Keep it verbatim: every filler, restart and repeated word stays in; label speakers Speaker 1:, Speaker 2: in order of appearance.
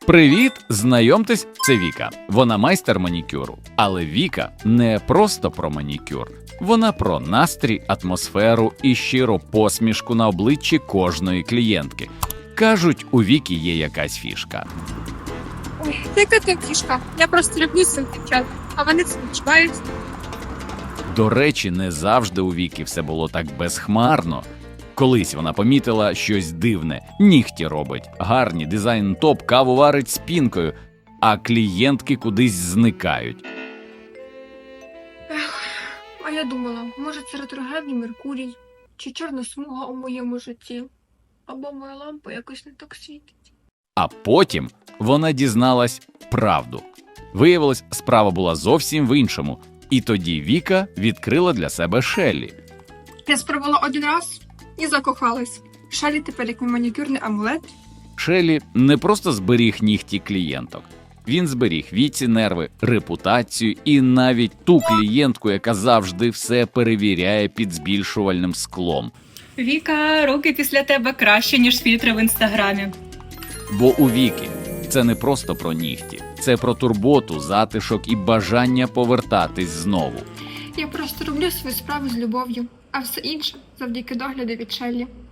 Speaker 1: Привіт! Знайомтесь, це Віка. Вона майстер манікюру. Але Віка не просто про манікюр. Вона про настрій, атмосферу і щиру посмішку на обличчі кожної клієнтки. Кажуть, у Віки є якась фішка.
Speaker 2: Ой, яка ти фішка? Я просто люблю цих дівчат, а вони це відчувають.
Speaker 1: До речі, не завжди у Віки все було так безхмарно. Колись вона помітила щось дивне. Нігті робить, гарні, дизайн топ, каву варить з пінкою, а клієнтки кудись зникають.
Speaker 2: А я думала, може це ретроградний Меркурій, чи чорна смуга у моєму житті, або моя лампа якось не так світить.
Speaker 1: А потім вона дізналась правду. Виявилось, справа була зовсім в іншому. І тоді Віка відкрила для себе Шеллі.
Speaker 2: Я спробувала один раз і закохалась. Шеллі тепер як мій манікюрний амулет.
Speaker 1: Шеллі не просто зберіг нігті клієнток. Він зберіг Віці нерви, репутацію і навіть ту клієнтку, яка завжди все перевіряє під збільшувальним склом.
Speaker 3: Віка, руки після тебе краще, ніж фільтри в інстаграмі.
Speaker 1: Бо у Віки це не просто про нігті. Це про турботу, затишок і бажання повертатись знову.
Speaker 2: Я просто роблю свою справу з любов'ю, а все інше завдяки догляду від Шеллі.